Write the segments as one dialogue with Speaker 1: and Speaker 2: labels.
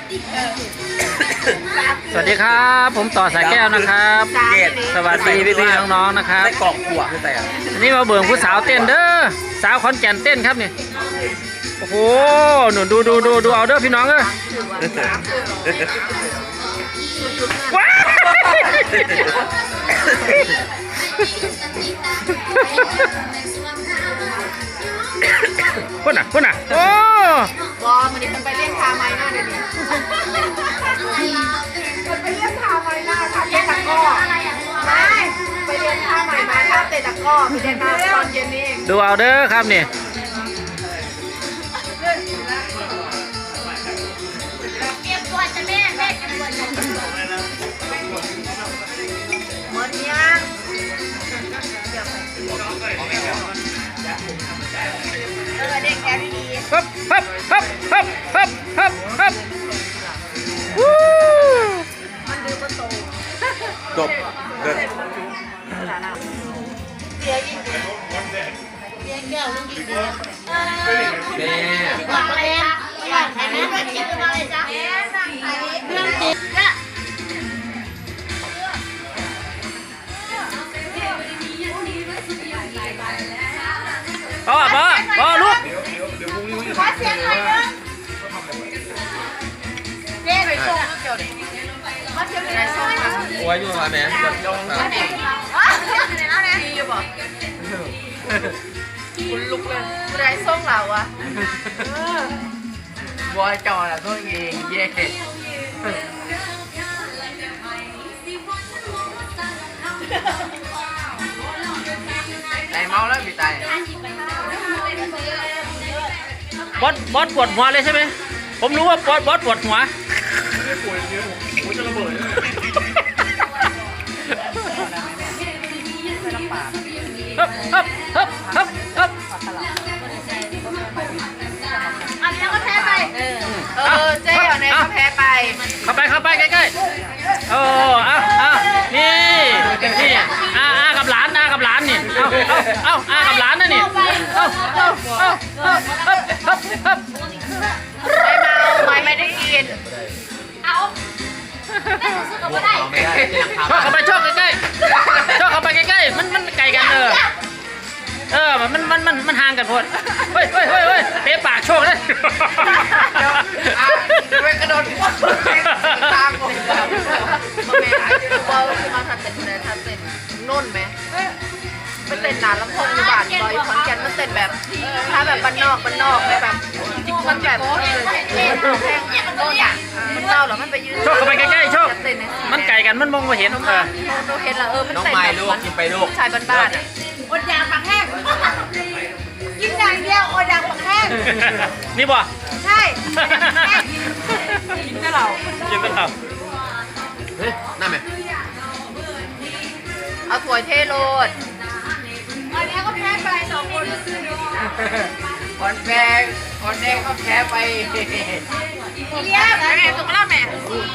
Speaker 1: สวัสดีครับผมต่อสายแก้วนะครับสวัสดีพี่ๆน้องๆนะครับ
Speaker 2: กรอกหัวคือแต่
Speaker 1: อันนี้มาเบิ่งผู้สาวเต้นเด้อสาวขอนแก่นเต้นครับนี่โอ้โหหนูดูเอาเด้อพี่น้องเอ้ยว้าวคนน่ะโอ้
Speaker 3: บอมันนี่มันไปเลี้ยงทาไม้หน้าเดี๋ยวนี้มันไปเลี้ยงทาไม้หน้าค่ะเตะตะก้อไปเลี้ยงทาไม้มาค่ะเตะตะก้อไปเลี้ยงมาตอนเย็นนี่เอง
Speaker 1: ดูเอาเด้อครับนี่
Speaker 3: เก็บก่อนจะแม่เก็บก่อนจะหมดยังเด็กแกดี
Speaker 1: ฮับวู้
Speaker 3: มันดูประตู
Speaker 2: จบเกิด
Speaker 3: เสียยิงเสียแก้วลุงยิง
Speaker 2: แม่
Speaker 3: บอกเลยนะบอกใครแม่ก็คิดมาเลยจ้ะแม่สั่งใครเรื่องจริงจ้ะ
Speaker 1: พ่อลูก
Speaker 3: ขอเสียงหน่อยนึงเจ๊ไปส่งเกี่ยวดิขอเสียงหน่อยส่งมา
Speaker 2: โอ้ยอยู่มาแม่หยดลงมา
Speaker 3: ดีอยู่บ่คุณลุกเลยไรส่งเราอะ
Speaker 2: บอยจอน่ะตัวเองเย่ไอเมาแล้วพี่ตาย
Speaker 1: บอสปวดหัวเลยใช่ไหมผมรู้ว่าบอสปวดหัว
Speaker 2: ไม่ปวดเยอะผมจะระเบิด
Speaker 3: อันนี้ก็แพ้ไปเจ๊เอาเนี่ยก็แพ้ไป
Speaker 1: เข้าไปใกล้ๆเอานี่กับหลานกับหลานนี่เอากับหลานนะนี่
Speaker 3: ไม่ได้กินเอา
Speaker 1: ชอบเข้าไปใกล้มันไกลกันมันห่างกันพอดเฮ้ยเตะปากโชคเลย
Speaker 2: ไปกระโดดตามผม
Speaker 3: แม่เรามาทัดเป็นนุ่นไหมมันเต้นนานแล้วพงอยู่บ้านลอยคอนแกนมันเต้นแบบถ้าแบบบ้านนอกแบบมันแบบแพงโน่นอ่ะมันเล่าหรอมันไปยืน
Speaker 1: โชคเข้าไปใกล้ๆโชคมันไกลกันมันมองไม่เห็น
Speaker 3: โนเห็นละมัน
Speaker 2: น้อง
Speaker 3: เต้น
Speaker 2: ไม้ลูกกินไปลูก
Speaker 3: ชายบ้านๆอ่ะอดยาปักแห้งกินอย่างเดียวอดยาปักแห้ง
Speaker 1: นี่บ่
Speaker 3: ใช่กินแต่เรา
Speaker 2: เฮ้ยน่าไหม
Speaker 3: เอาถั่วเทโรดอันนี้ก็แพ้ไป2 คน
Speaker 2: คนแดงก็แพ้ไป
Speaker 3: เรียบแม่สุกแล้วแม่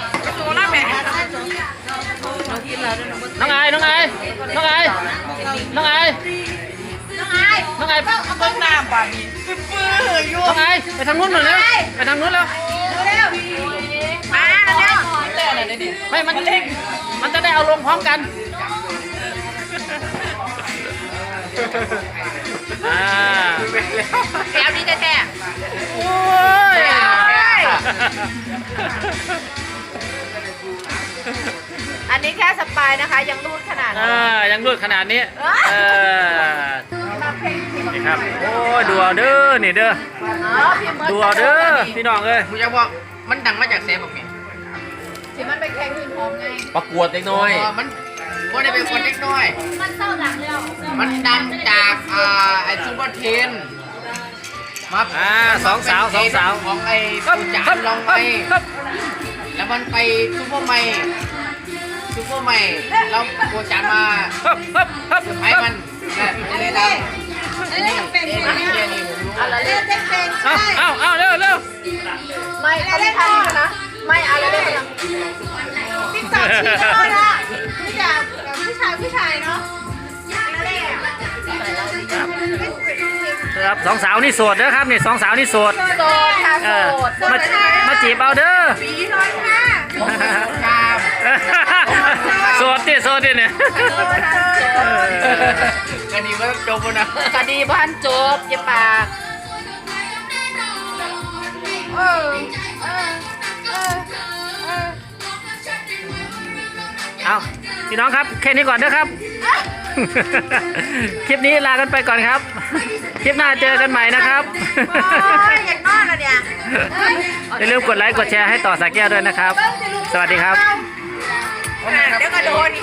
Speaker 1: น้องไอเ
Speaker 3: บิ้งน้ำป่ะนี่ปื้ออยู่
Speaker 1: น้องไอไปทางนู้นหน่อยแล้วไปทางนู้นแล้ว
Speaker 3: มาแล้ว
Speaker 1: ไม่มันจะได้เอาลงพร้อมกัน
Speaker 3: แก้วนี้แท้
Speaker 1: โอ้ย
Speaker 3: อันนี้แค่สปายนะคะยังรูดขนาดนี้
Speaker 1: ยังรูดขนาดนี้นี่ครับโอ้ยดูเอาเด้อนี่เด้อดูเอาเด้อพี่น้องเอ้ย
Speaker 2: กูจะบอกมันดังมาจากเซฟบอกเนี่ย
Speaker 3: ที่มันไปแข่งทีมพร้อมไง
Speaker 2: ประกวดเล็กน้อยมันได้เป็นคนเล็กน้อย
Speaker 3: มันเศร้าหลังแล้ว
Speaker 2: มันดังจากไอซูเปอร์เทนมา
Speaker 1: สองสาว
Speaker 2: ของไอ้ปูจานลองไปแล้วมันไปซูเปอร์ไมแล้วปูจานมาให้มันนี่
Speaker 3: อะไรเล่นเพลงใช่
Speaker 1: เร็ว
Speaker 3: ไม่เขาไม่ทันนะไม่อะไรเล่นติ๊กต็อกชีโร่ละพี่จ๋าผู้ชายเนาะ
Speaker 1: ครับสองสาวนี่โสดเด้อครับนี่สองสาวนี่โสด
Speaker 3: โสดค่ะ
Speaker 1: เอ
Speaker 3: โส
Speaker 1: อ
Speaker 3: ด
Speaker 1: มาจีบเอาเด้อ
Speaker 2: ครับ
Speaker 1: โสดดิโสดดิเนี่ย
Speaker 2: อันนี้ว่าจบแล้วนะ
Speaker 3: คดีบ้านจบอย่าปาก
Speaker 1: เอาพี่น้องครับแค่นี้ก่อนเด้อครับ คลิปนี้ลากันไปก่อนครับ คลิปหน้าเจอกันใหม่นะครับ
Speaker 3: อยากนอนแล้วเนี่ย
Speaker 1: อย่าลืมกดไลค์กดแชร์ให้ต่อสาแก้วด้วยนะครับ สวัสดีครับ
Speaker 3: เดี๋ยวก็โดน